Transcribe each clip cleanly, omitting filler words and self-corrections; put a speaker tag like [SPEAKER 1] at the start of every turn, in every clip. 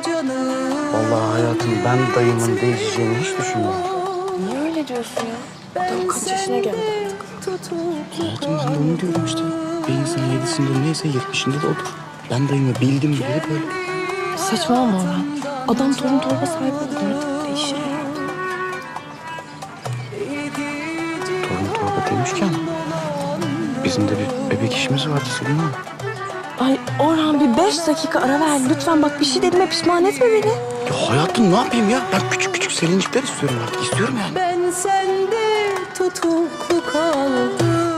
[SPEAKER 1] Vallahi hayatım ben dayımın değişeceğini hiç düşünmüyorum.
[SPEAKER 2] Niye öyle diyorsun ya? Adam kaç yaşına geldi artık.
[SPEAKER 1] Hayatım ben de onu diyorum işte. Bir insan 7'sinde neyse 70'inde de odur. Ben dayımı bildim bileli böyle.
[SPEAKER 2] Saçmalama Orhan. Adam torun torba sahibi oldu artık. Değişir ya.
[SPEAKER 1] Torun torba demişken bizim de bir bebek işimiz vardı Selin Hanım.
[SPEAKER 2] Ay Orhan bir 5 dakika ara ver. Lütfen bak bir şey dediğime pişman etme beni.
[SPEAKER 1] Ya hayatım ne yapayım ya? Ben küçük küçük Selincikler istiyorum artık. İstiyorum yani.
[SPEAKER 3] Ben sende tutuklu kaldım.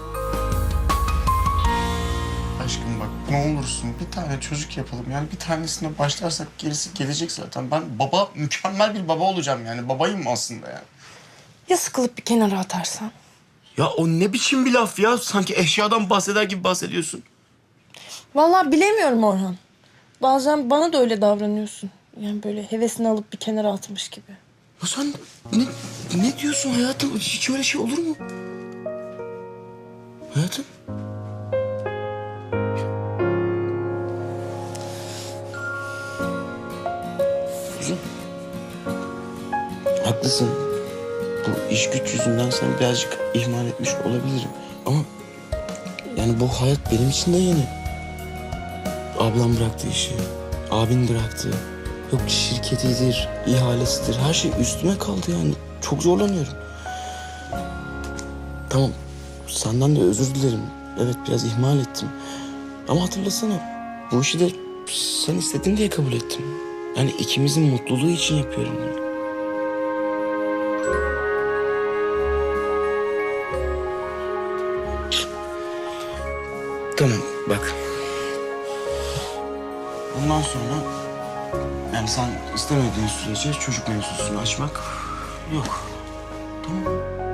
[SPEAKER 4] Aşkım bak ne olursun bir tane çocuk yapalım. Yani bir tanesine başlarsak gerisi gelecek zaten. Ben mükemmel bir baba olacağım yani. Babayım aslında yani.
[SPEAKER 2] Ya sıkılıp bir kenara atarsan?
[SPEAKER 4] Ya o ne biçim bir laf ya? Sanki eşyadan bahseder gibi bahsediyorsun.
[SPEAKER 2] Vallahi bilemiyorum Orhan. Bazen bana da öyle davranıyorsun. Yani böyle hevesini alıp bir kenara atmış gibi.
[SPEAKER 4] Ya sen ne diyorsun hayatım? Hiç öyle şey olur mu? Hayatım? Kuzum. Haklısın. Bu iş güç yüzünden seni birazcık ihmal etmiş olabilirim. Ama yani bu hayat benim için de yeni. Ablam bıraktı işi. Abin bıraktı. Yok şirketidir, ihalesidir. Her şey üstüme kaldı yani. Çok zorlanıyorum. Tamam. Senden de özür dilerim. Evet biraz ihmal ettim. Ama hatırlasana. Bu işi de sen istedin diye kabul ettim. Yani ikimizin mutluluğu için yapıyorum bunu. Tamam bak. Bundan sonra yani sen istemediğin sürece çocuk mevzusunu açmak yok. Tamam.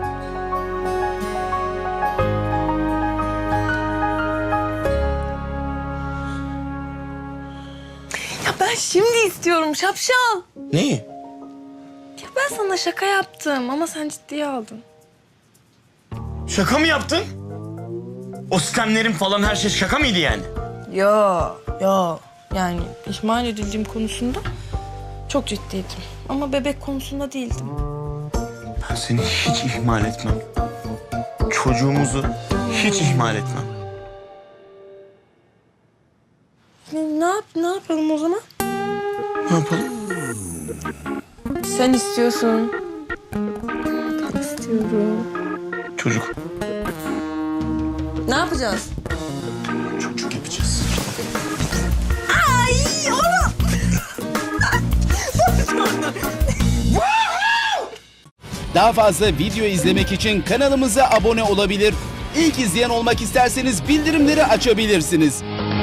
[SPEAKER 2] Ya ben şimdi istiyorum şapşal.
[SPEAKER 4] Neyi?
[SPEAKER 2] Ya ben sana şaka yaptım ama sen ciddiye aldın.
[SPEAKER 4] Şaka mı yaptın? O sistemlerin falan her şey şaka mıydı yani?
[SPEAKER 2] Yo. Yani ihmal edildiğim konusunda çok ciddiydim. Ama bebek konusunda değildim.
[SPEAKER 4] Ben seni hiç ihmal etmem. Çocuğumuzu hiç ihmal etmem.
[SPEAKER 2] Ne yapalım o zaman?
[SPEAKER 4] Ne yapalım?
[SPEAKER 2] Sen istiyorsun. Ben istiyorum.
[SPEAKER 4] Çocuk.
[SPEAKER 2] Ne yapacağız?
[SPEAKER 4] Çocuk yapacağız.
[SPEAKER 2] Ay oğlum.
[SPEAKER 5] Daha fazla video izlemek için kanalımıza abone olabilir. İlk izleyen olmak isterseniz bildirimleri açabilirsiniz.